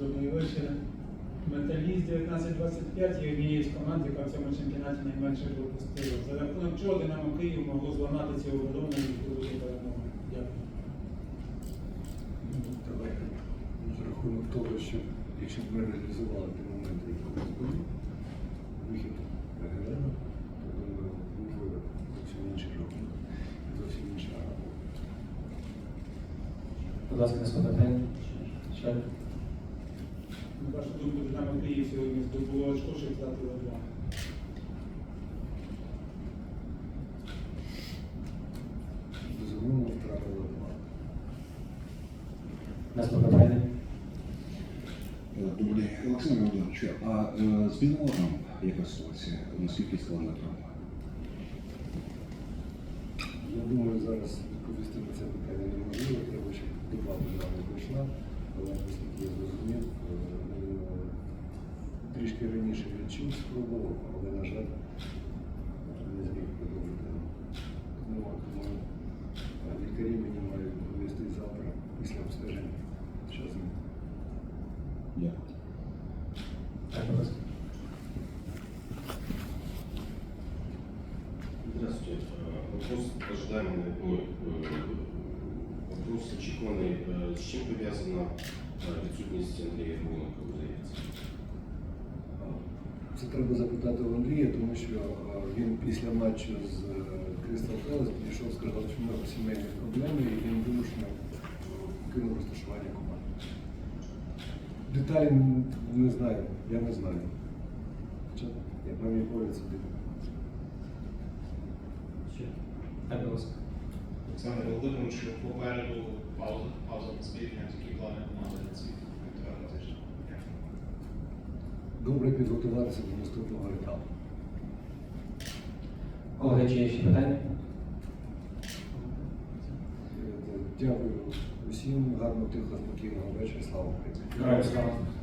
Добрий вечір. Металіст 1925 є однією з команд, яка в цьому чемпіонаті найменше пропустила. За рахунок чого Динамо Київ могло зламати цю оборону і здобути перемогу? Дякую. Давайте за рахунок того, що якщо б ми реалізували ті моменти, які у нас були, вихід Гелена, то думаю, був зовсім інший рахунок, зовсім інша робота. Будь ласка, наступне питання. Ще? На вашу думку, Динамо Київ сьогодні здобуло очко, щоб втратило 2. Безумовно, втратили 2. Наступне питання. Добрий день, Олександр Володимирович, а з Білором яка ситуація? Наскільки складна травма? Я думаю, зараз відповісти на це питання неможливо, треба ще доба державна пройшла, але наскільки я зрозумів, він трішки раніше відчув, спробував, але, на жаль, не зміг продовжити. Тому лікарі мені мають довести завтра після обстеження. Що з ним? Дякую. Так, будь ласка. Здравствуйте. Вопрос ожидаемый, вопрос очікуваний. З чим пов'язана відсутність Андрія Ярмоленка у заявці? Це треба запитати у Андрія, тому що він після матчу з Кристал Пелес підійшов, сказав, що в нього сімейні проблеми, і він вимушено кинув розташування команди. Деталі не знаю, я не знаю. Хоча, як на мій погляд, це дивно. Ще? Так, будь ласка. Олександр Володимирович, попереду пауза на збірні, які плани команди на ці півтора тижня? Добре підготуватися до наступного етапу. Колеги, чи є ще питання? Дякую усім, гарного, тихого, спокійного вечора, слава Україні. Героям слава.